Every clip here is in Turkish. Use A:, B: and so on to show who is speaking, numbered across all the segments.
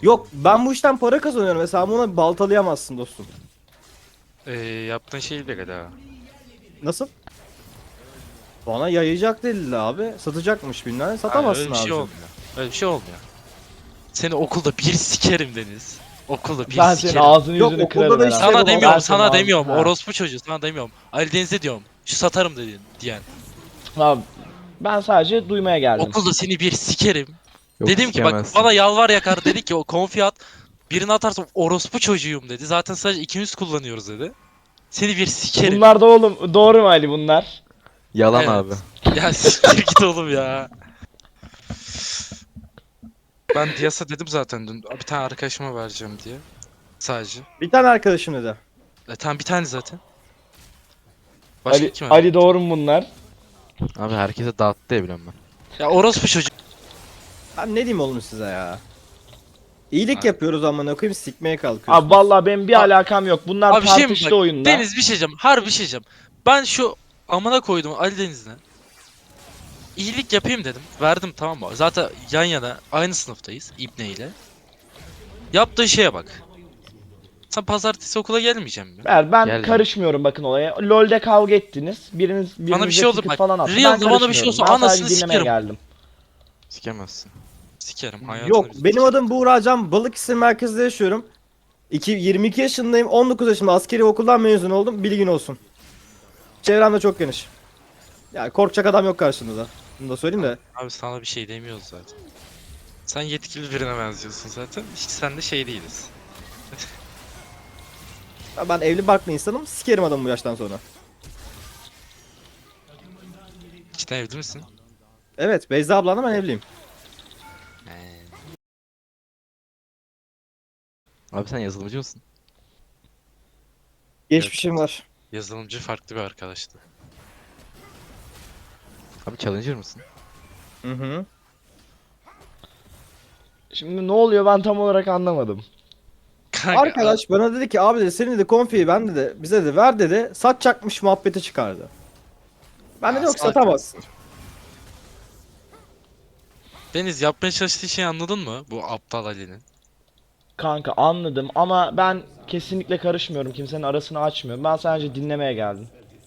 A: Yok, ben bu işten para kazanıyorum ve sen bunu baltalayamazsın dostum.
B: Yaptığın şey bile galiba.
A: Nasıl? Bana yayacak delildi abi. Satacakmış bilmem.
B: Hayır öyle
A: Satamazsın
B: bir şey
A: abicim.
B: olmuyor. Öyle bir şey olmuyor. Seni okulda bir sikerim Deniz. Okulda bir
C: Ben senin
B: sikerim.
C: ağzını
A: Yok,
C: yüzünü
A: okulda
C: kırarım
A: da
C: herhalde.
A: işte
B: Sana
A: bu
B: demiyorum,
C: Ben senin
B: sana
C: ağzını...
B: demiyorum.
C: Ha.
B: Orospu çocuğu sana demiyorum. Ali Deniz'e diyorum. Şu satarım dedi diyen.
C: Abi, ben sadece duymaya geldim.
B: Okulda seni bir sikerim.
D: Yok
B: Dedim ki bak
D: sikemezsin.
B: bana yalvar yakar dedi ki o konfi at. Birini atarsam orospu çocuğuyum dedi. Zaten sadece ikimiz kullanıyoruz dedi. Seni bir sikerim.
C: Bunlar da oğlum doğru mu Ali bunlar?
D: Yalan
B: Evet.
D: abi.
B: Ya siktir git oğlum ya. Ben Dias'a dedim zaten dün. Bir tane arkadaşıma vereceğim diye. Sadece.
A: bir tane arkadaşım dedi.
B: Tamam bir tane zaten. Başka
C: Ali,
B: kim
C: Ali doğru mu bunlar?
D: Abi herkese dağıttı ya biliyorum ben.
B: Ya orospu çocuk.
A: Ben ne diyeyim oğlum size ya? İyilik
B: Abi.
A: yapıyoruz ama koyayım sikmeye kalkıyorsunuz.
C: Abi vallahi benim bir alakam yok. Bunlar
B: Abi şey mi
C: tartıştı
B: bak.
C: oyunda.
B: Deniz bir şey diyeceğim. Harbi bir şey diyeceğim. Ben şu amına koydum Ali Deniz'le. İyilik yapayım dedim. Verdim tamam mı? Zaten yan yana aynı sınıftayız İbne ile. Yaptığı şeye bak. Sen pazartesi okula gelmeyecek mi?
C: Ben
D: Geldim.
C: karışmıyorum bakın olaya. LoL'de kavga ettiniz. Birinize
B: bir şey oldu
C: ticket
B: bak,
C: falan attı.
B: Real'da
C: Ben
B: bana bir şey
C: karışmıyorum.
B: olsa
C: Ben sadece
B: anasını
C: dinlemeye
B: sikerim.
C: geldim.
D: Sikemezsin.
B: Sikerim hayatını
A: Yok,
B: bir
A: benim
B: sikerim.
A: adım Buğra Can. Balıkesir merkezde yaşıyorum. 22 yaşındayım. 19 yaşında askeri okuldan mezun oldum. Bilgin olsun. Çevrem de çok geniş. Yani korkacak adam yok karşımda. Bunu da söyleyeyim de.
B: Abi sana bir şey demiyoruz zaten. Sen yetkili birine benziyorsun zaten. Hiç sen de şey değiliz.
A: Ya ben evli barklı insanım. Sikerim adamı bu yaştan sonra.
B: Cidden evli misin?
A: Evet, Beyza ablanla ben evliyim.
D: Abi sen yazılımcı mısın?
A: Geçmişim var.
B: Yazılımcı farklı bir arkadaştı.
D: Abi challenger mısın?
A: Hı hı.
C: Şimdi ne oluyor ben tam olarak anlamadım.
B: Kanka,
A: Arkadaş bana dedi ki abi dedi senin de konfiyi ben dedi bize de ver dedi. Satacakmış muhabbeti çıkardı. Ben de
B: Aa,
A: yok
B: salak.
A: satamazsın.
B: Deniz yapmaya çalıştığı şeyi anladın mı? Bu aptal Ali'nin.
C: Kanka anladım ama ben kesinlikle karışmıyorum. Kimsenin arasını açmıyorum. Ben sadece dinlemeye geldim.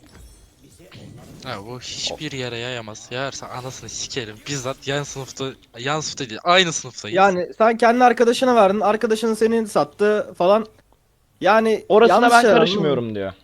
B: Ha bu hiçbir yere yayamaz. Yayarsa anasını sikerim. Bizzat yan sınıfta değil, aynı sınıftayız.
A: Yani sen kendi arkadaşına verdin. Arkadaşın seni sattı falan. Yani
C: Orasına
A: yanlış
C: ben
A: şeyler, anladın mı?
C: karışmıyorum diyor.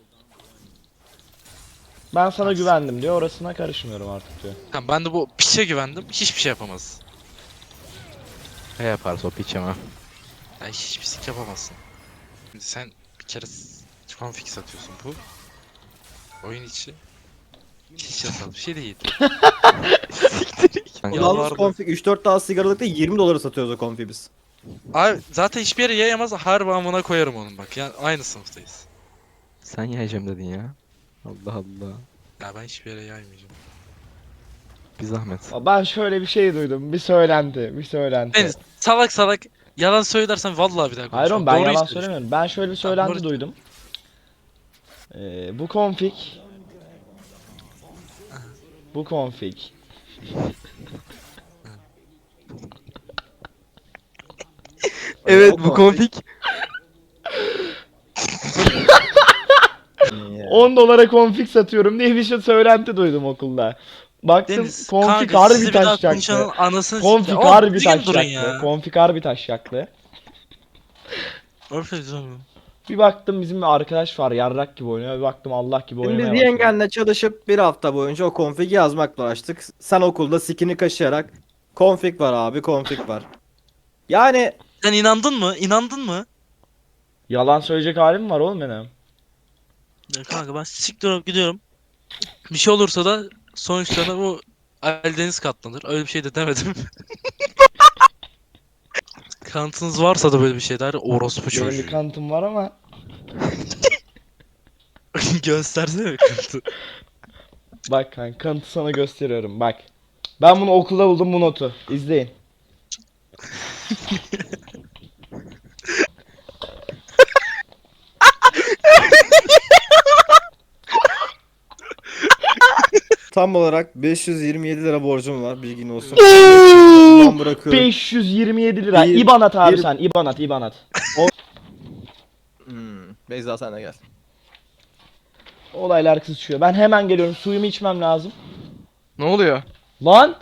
C: Ben sana
B: Nasıl?
C: güvendim diyor. Orasına karışmıyorum artık diyor.
B: Tamam, ben de bu piçe güvendim. Hiçbir şey yapamaz.
D: Ne yaparsa o piç ama.
B: Ya hiçbir sik yapamazsın. Şimdi sen bir kere config satıyorsun bu. Oyun içi. Hiç yasal bir şey değil.
D: Kanka,
B: Ya
A: Yalnız
B: vardı.
A: konfig 3-4 daha sigaralıkta 20 dolara satıyoruz o konfiyi biz.
B: Abi zaten hiçbir yere yayamaz. Harbi amına koyarım onun bak. Yani aynı sınıftayız.
D: sen yiyeceğim dedin ya. Allah Allah.
B: Ya ben hiçbir yere yaymayacağım.
D: Bir zahmet.
C: Ben şöyle bir şey duydum. Bir söylenti. Bir söylenti.
B: Deniz salak salak yalan söylersen vallahi bir daha
C: Hayır
B: konuşmam.
C: oğlum ben
B: Doğruyu
C: yalan
B: söyle.
C: söylemiyorum. Ben şöyle bir
B: Tamam,
C: söylenti
B: doğru.
C: duydum. Bu config bu config
D: Evet
A: O
D: bu konfig.
C: 10 dolara config satıyorum diye bir şey söylenti duydum okulda. Baktım
B: Deniz
C: config
B: kanka sizi
C: harbi
B: bir daha
C: taşacaklı.
B: konuşanın anasını
C: Config
B: sikeyim. Oğlum
C: harbi
B: düzgün durun
C: taşacaklı.
B: ya.
C: Config harbi taşacaklı.
B: Öyle canım.
C: Bir baktım bizim bir arkadaş var yarrak gibi oynuyor. Bir baktım Allah gibi
A: Şimdi
C: oynamaya
A: biz
C: başladı.
A: yengenle çalışıp bir hafta boyunca o konfigi yazmakla uğraştık. Sen okulda sikini kaşıyarak konfig var abi konfig var. Yani
B: Sen inandın mı? İnandın mı?
C: Yalan söyleyecek halim var oğlum benim.
B: Ya kanka ben siktir olup gidiyorum. Bir şey olursa da sonuçlarına bu Eldeniz katlanır. Öyle bir şey de demedim. Kanıtınız varsa da böyle bir şeyler orospu
C: Benim bir
B: çocuğu.
C: kanıtım var ama
B: Göstersene kanıtı.
C: bak kanka kanıtı sana gösteriyorum bak. Ben bunu okulda buldum bu notu. İzleyin.
A: Tam olarak 527 lira borcum var, bilgin olsun. Ben bırakıyorum.
C: 527 lira.
A: Bir-
C: İban at abi
A: bir-
C: sen. İban at.
A: Beyza sen de gel.
C: Olaylar kızışıyor. Ben hemen geliyorum. Suyumu içmem lazım.
D: Ne oluyor?
C: Lan!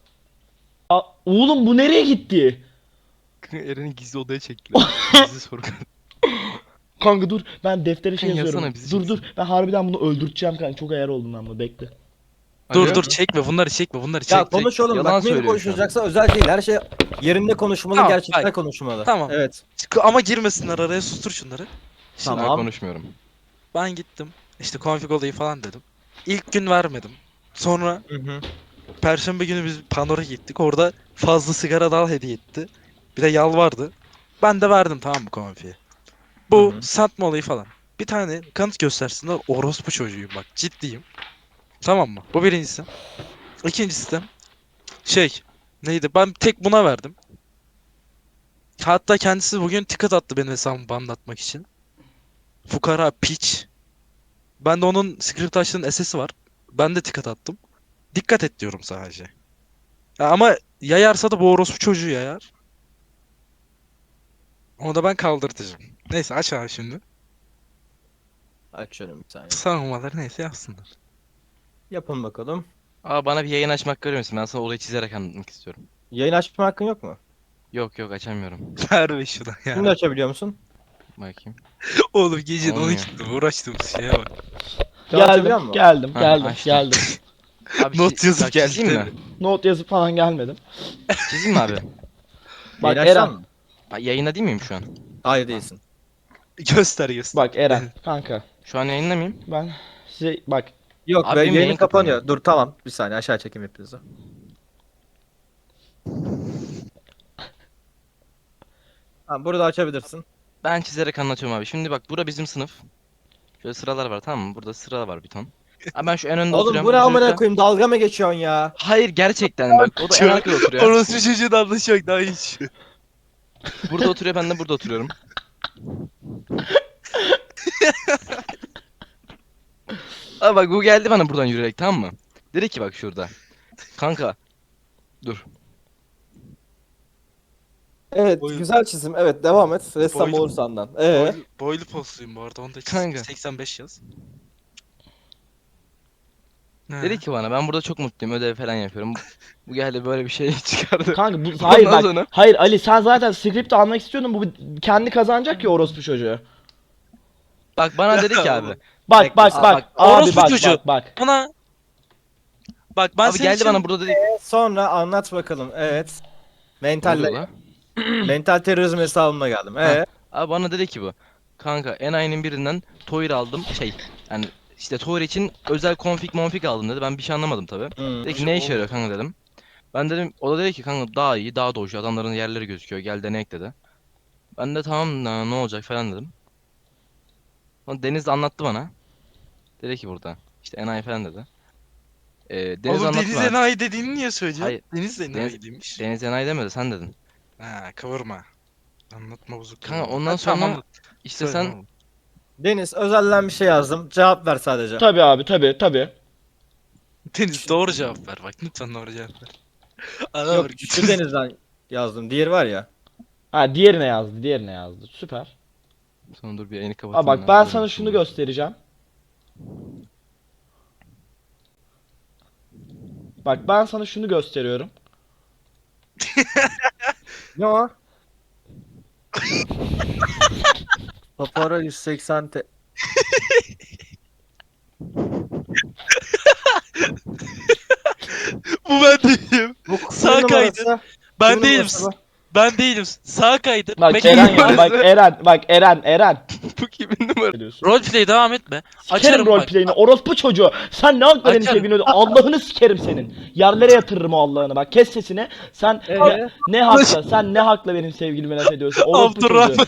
C: Oğlum bu nereye gitti?
D: Eren'i gizli odaya çektiler. Gizli soru.
C: Kanka dur. Ben deftere şey
D: Kanka
C: yazıyorum.
D: yazsana, bizi
C: Dur
D: çeksin.
C: dur. Ben harbiden bunu öldürteceğim kanka. Çok ayar oldum ben bunu. Bekle.
B: Dur
D: Alo?
B: dur çekme bunları çekme bunları
A: Ya
B: çek.
A: konuş oğlum,
D: Yalan
A: bak benim
D: söylüyor şu an.
A: konuşulacaksa özel değil, her şey yerinde konuşmalı,
B: Tamam,
A: gerçekler
B: bak.
A: konuşmalı.
B: Tamam.
A: Evet.
B: Ama girmesinler araya, sustur şunları. Şimdi
D: Ben
A: Tamam.
D: konuşmuyorum.
B: ben gittim. İşte config olayı falan dedim. İlk gün vermedim. Sonra
A: Hı hı.
B: Perşembe günü biz Panor'a gittik. Orada fazla sigara dal hediye etti. Bir de yalvardı. Ben de verdim, tamam mı, konfiye. Bu
A: Hı hı.
B: satma olayı falan. Bir tane kanıt göstersinler, orospu çocuğuyum bak, ciddiyim. Tamam mı? Bu birincisi. İkincisi de neydi? Ben tek buna verdim. Hatta kendisi bugün ticket attı benim hesabımı banlatmak için. Fukara piç. Ben de onun script açtığının SS'i var. Ben de ticket attım. Dikkat et diyorum sadece. Ya ama yayarsa da bu orospu çocuğu yayar. Onu da ben kaldırtacağım. Neyse aç abi şimdi.
A: Açıyorum bir saniye.
B: Savunmaları neyse yapsınlar.
A: Yapın bakalım.
D: Aa, bana bir yayın açmak görüyor musun? Ben sana olayı çizerek anlatmak istiyorum.
A: Yayın açma hakkın yok mu?
D: Yok yok, açamıyorum.
B: Ver be şuna
A: Şimdi
B: ya.
A: açabiliyor musun?
D: Bakayım.
B: Oğlum gecenin
D: Olmuyor.
B: 12'de uğraştığımız şeye bak.
A: Şu an açabiliyor musun?
C: Geldim.
D: Ha,
C: Geldim.
D: açtım.
C: Geldim.
D: Abi
B: Not yazıp
D: bak, çizeyim
B: geldi.
D: mi?
C: Not yazıp falan gelmedim.
D: Çizeyim mi abi?
C: Bak
A: Yayın açsan
C: Eren.
A: mı?
D: Bak, yayında değil miyim şu an?
A: Hayır değilsin.
B: Göster göster.
C: Bak Eren. Kanka.
D: Şu an yayında mıyım?
C: Ben size bak.
A: Yok
D: Abi
A: be,
D: benim
A: yayın
D: yayın
A: kapanıyor.
D: kapanıyor.
A: Dur tamam, bir saniye aşağı çekeyim hepinizi. Tamam, burada açabilirsin.
D: Ben çizerek anlatıyorum abi. Şimdi bak, bura bizim sınıf. Şöyle sıralar var, tamam mı? Burada sıra var bir ton. Abi ben şu en önde
A: Oğlum
D: oturuyorum.
A: bu ne amına
D: çocuklar-
A: koyayım, dalga mı geçiyorsun ya?
D: Hayır, gerçekten bak. O da en arkada oturuyor.
B: Orospu çocuğun anlaşı yok daha hiç.
D: Burada oturuyor, ben de burada oturuyorum. Abi bak, bu geldi bana buradan yürüyerek, tamam mı? Dedi ki bak şurada. Kanka. Dur.
A: Evet,
B: Boyun-
A: güzel çizim. Evet, devam et. Ressam
B: Boyun-
A: olur senden.
B: Boylu posluyum bu arada, onu da
D: Kanka.
B: 85 yaz. Ne?
D: Dedi ki bana, ben burada çok mutluyum, ödev falan yapıyorum. Bu geldi böyle bir şey çıkardı.
C: Kanka bu hayır
D: Ondan
C: bak.
D: sonra-
C: Hayır Ali sen zaten script almak istiyordun. Bu kendi kazanacak ya orospu çocuğu.
D: Bak bana dedi ki abi.
C: Bak
A: Bekle,
C: bak
D: aa,
C: bak.
D: bak,
C: Abi
B: orospu
C: bak
B: çocuğu.
C: bak.
B: Bana bak, ben
D: Abi
B: senin
D: geldi
B: için
D: bana burada dedi.
A: Sonra anlat bakalım. Evet.
D: Ne oluyor
A: Mental
D: lan?
A: mental terörizm hesabına geldim.
D: Abi bana dedi ki bu. Kanka enayinin birinden Toir aldım. Yani işte Toir için özel config aldım dedi. Ben bir şey anlamadım tabi. Dedi ki ne işe yarıyor kanka dedim. Ben dedim, o da dedi ki kanka daha iyi, daha doju, adamların yerleri gözüküyor, gel deneyek dedi. Ben de tamam ne olacak falan dedim. Sonra Deniz de anlattı bana. Dedi ki burada işte enayi falan dedi. Deniz
B: Oğlum
D: anlattı
B: Deniz
D: bana.
B: enayi dediğini niye söylüyorsun?
D: Hayır,
B: Deniz de enayi
D: Deniz-
B: demiş.
D: Deniz enayi demedi, sen dedin.
B: Ha, kıvırma. Anlatma bozuk.
D: Kanka
B: kıvırma.
D: ondan
B: Ha, tamam,
D: sonra
B: anlat.
D: işte
B: Söyle,
D: sen
B: tamam.
A: Deniz, özelden bir şey yazdım. Cevap ver sadece.
C: Tabi abi tabi.
B: Deniz doğru cevap ver bak, lütfen doğru cevap ver. Ana
A: Yok,
B: var,
A: şu Deniz'den yazdım. Diğeri var ya.
C: Ha diğerine yazdı. Süper.
D: sonra dur bir yayını kapatayım.
C: Aa bak
D: ya,
C: ben
D: böyle
C: sana
D: bir şey
C: şunu
D: olur.
C: göstereceğim. Bak ben sana şunu gösteriyorum.
A: Ne o? Papara 180
B: Bu ben değilim.
A: Bu
B: Sağ
A: kimin
B: kaydı.
A: numarası?
B: Ben
A: Kimin
B: değilim.
A: numarası bu?
B: Ben değilim. Sağ kaydı.
C: Bak
B: Bekle.
C: Eren ya bak Eren.
D: Bu kimin numarası?
C: Diyorsun.
B: Roleplay devam etme.
C: Sikerim
B: Açarım bak.
C: roleplay'ini orospu çocuğu. Sen ne hakla benim
B: Açarım.
C: sevgilimi öldü? Allah'ını sikerim senin. Yerlere yatırırım o Allah'ını bak. Kes sesini. Sen ne hakla? Sen ne hakla benim sevgilime laf ediyorsun? Orospu çocuğu.
B: Abdurrahman.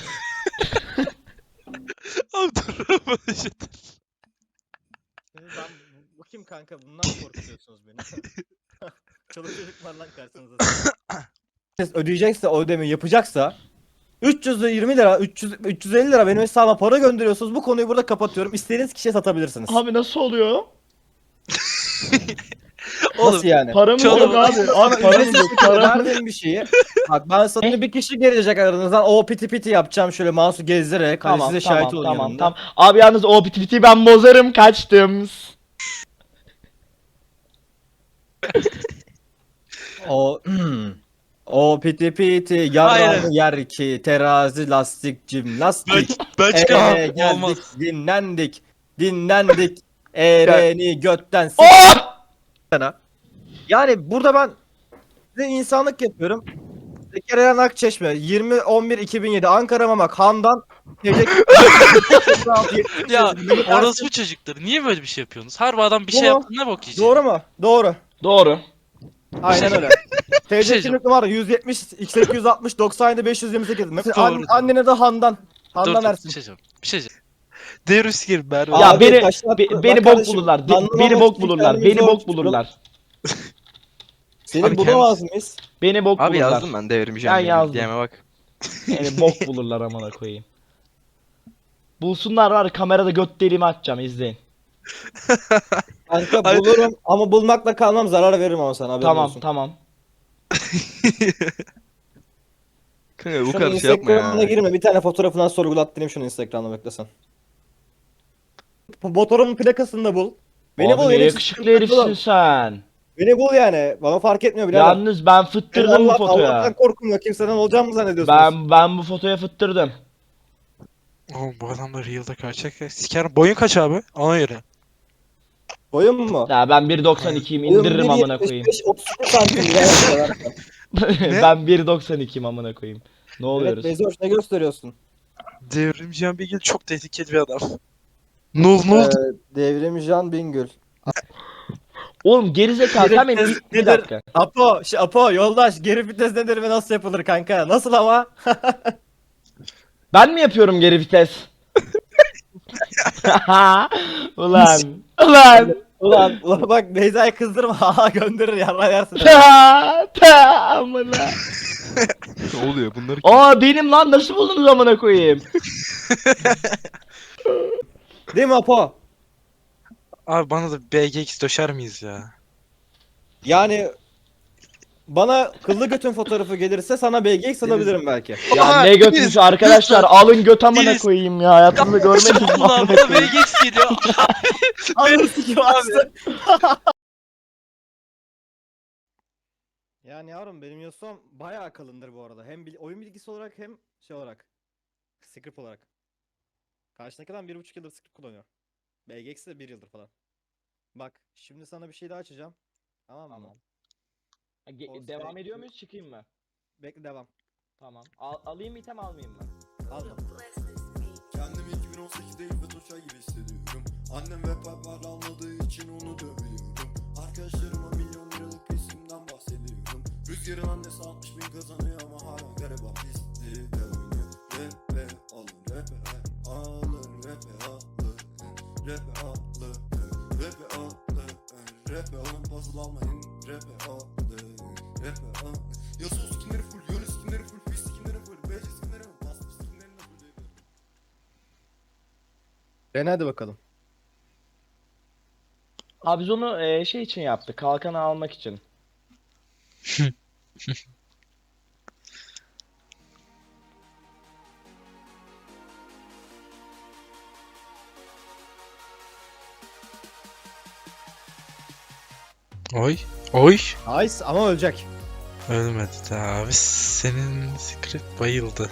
B: Abdurrahman işte.
A: Bu kim kanka? Bundan mı korkutuyorsunuz beni? Çoluk çocuk var lan karşınızda. Siz ödeyecekse, o ödemeyi yapacaksa 320 lira, 350 lira benim hesabıma para gönderiyorsunuz. Bu konuyu burada kapatıyorum. İstediğiniz kişiye satabilirsiniz.
C: Abi nasıl oluyor?
B: Oğlum
A: Nasıl yani?
C: Paramız
B: Şu
C: yok
B: adamı-
C: abi. Abi paramız yok. Paramız
A: Verdiğim bir şeyi. Bak ben sana bir kişi gelecek aranızdan. O piti piti yapacağım şöyle mouse'u gezdirerek. Hadi
C: Tamam
A: size
C: tamam
A: şahit olun
C: tamam
A: yanımda.
C: tamam. Abi yalnız o piti piti ben bozarım kaçtım.
A: O o piti piti yarrağını yer ki terazi lastik cimnastik.
B: ben çıkamam.
A: Geldik
B: Olmaz.
A: dinlendik ereni götten
C: Oh!
A: sana. Yani burada ben size insanlık yapıyorum. Zekeriya Akçeşme 20-11-2007 Ankara Mamak Handan
B: Ya orospu çocukları niye böyle bir şey yapıyorsunuz? Harbi adam bir şey
A: Bu-
B: yaptı ne bok yiyecek?
A: Doğru mu? Doğru.
C: Doğru.
A: Aynen öyle.
B: şey
A: TC kimlik numara 170 860 97 528.
B: Doğru.
A: Annene de Handan. Handan
B: Bir
A: Ersin.
B: şey diyeceğim. Bir şey diyeceğim. Devrüs gir Merve.
C: Ya
A: Abi,
C: beni
A: taşlar-
C: beni
A: bak
C: bok
A: kardeşim,
C: bulurlar.
A: anlamamak
C: Beni bok
A: için
C: bulurlar.
A: kendimizi
C: Beni bok
A: ölçüyoruz.
C: bulurlar.
A: Seni
D: Abi
A: bulamaz mıyız?
C: Beni bok
D: Abi
C: bulurlar.
D: yazdım ben devrimci
C: Ben yazdım.
D: diyeme bak.
C: Beni bok bulurlar amına koyayım. Bulsunlar var ya, kamerada göt deliğimi açacağım izleyin.
A: Kanka
B: Ay-
A: bulurum ama bulmakla kalmam zarar veririm ama sana haberin
C: Tamam
A: olsun.
C: tamam.
D: Kanka bu
A: Şunu
D: kadar şey yapma
A: Instagram'ına
D: ya.
A: girme bir tane fotoğrafından sorgulattırayım şunu Instagram'da beklesen. Motorumun plakasını da bul. Beni
C: Abi
A: bul
C: ne
A: benim
C: yakışıklı
A: sıkıntı
C: herifsin
A: yok.
C: sen.
A: Beni bul yani. Bana fark etmiyor birader.
C: Yalnız ben fıttırdım bu
A: Allah'tan
C: fotoya.
A: korkum yok. Kimseden olacağım mı zannediyorsunuz?
C: Ben bu fotoya fıttırdım.
B: Oğlum bu adamlar Real'da kaçacak ya. Sikerim. Boyun kaç abi? Ona göre.
A: Boyum mu?
C: Ya ben 1.92'yim indiririm amına koyayım.
A: 32 santim birader.
C: Ben 1.92'yim amına koyayım. Ne
A: Evet
C: oluyoruz?
A: Bezoş ne gösteriyorsun?
B: Devrimci Bilgil çok tehlikeli bir adam. Nul.
A: Devrim Can Bingöl.
C: Oğlum gerizekalı sen benim bir
A: Nedir?
C: dakika.
A: Apo yoldaş geri vites nedir ve nasıl yapılır kanka? Nasıl ama?
C: Ben mi yapıyorum geri vites? Ulan. Ulan.
A: Ulan bak Beyza'yı kızdırma. Haha gönderir yarra yersin.
C: Amına.
D: Ne oluyor bunlar?
C: Aa benim lan nasıl buldunuz amına koyayım?
A: Değil mi Apo?
B: Abi bana da BGX döşer miyiz ya?
A: Yani bana kıllı götün fotoğrafı gelirse sana BGX alabilirim belki.
C: Ya
B: Aha,
C: ne götmüş
B: Deniz,
C: arkadaşlar alın göt amına
B: Deniz.
C: koyayım ya hayatımda görmediniz mi
B: Ulan
C: amına
B: bana
C: koyayım?
B: BGX geliyor.
A: Anlısı gibi astı. Yani yavrum benim Yasuo'm bayağı kalındır bu arada. Hem oyun bilgisi olarak hem şey olarak. Script olarak. Karşındaki adam 1,5 yıldır script kullanıyor. BGX de 1 yıldır falan. Bak şimdi sana bir şey daha açacağım. Tamam mı?
C: Devam ediyor muyuz çıkayım mı?
A: Bekle devam.
C: Tamam. Alayım item almayayım mı?
A: Alma.
E: Kendimi 2018'de İlbet Hoşay gibi hissediyorum. Annem ve babam anladığı için onu dövüyorum. Arkadaşlarıma milyon liralık isimden bahsediyorum. Rüzgarın annesi 60 bin kazanıyor ama hala gariban pisti de oynuyor. Rap'e alın, rap'e alın, rap'e alın, rap'e alın, rap'e alın, rap'e alın, puzzle almayın, rap'e alın, rap'e alın. Yasuo skinleri full, Yone skinleri full, Fizz skinleri full, BC skinleri full, Master skinlerini de full ediyorum.
A: Hadi bakalım.
C: Abi biz onu şey için yaptık. Kalkanı almak için.
B: Oy.
A: Nice ama ölecek.
B: Ölmedi de abi. Senin script bayıldı.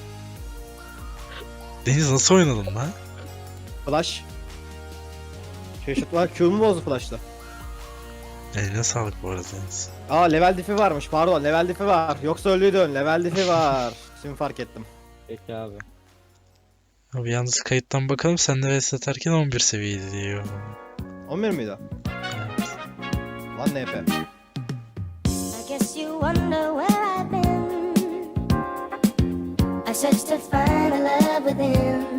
B: Deniz nasıl oynadın lan?
A: Flash. Şaşırtma Q'mu bozdu flash'la.
B: Eline sağlık bu arada Deniz.
A: Aa level diff'i varmış pardon level diff'i var. Yoksa öldüydün level diff'i var. Şimdi fark ettim.
C: Peki abi.
B: Abi yalnız kayıttan bakalım sen de vs atarken 11 seviyeydi diyor.
A: 11 miydi?
B: Evet.
A: Lan NP.
F: I guess you wonder where I've been. I searched to find a love within.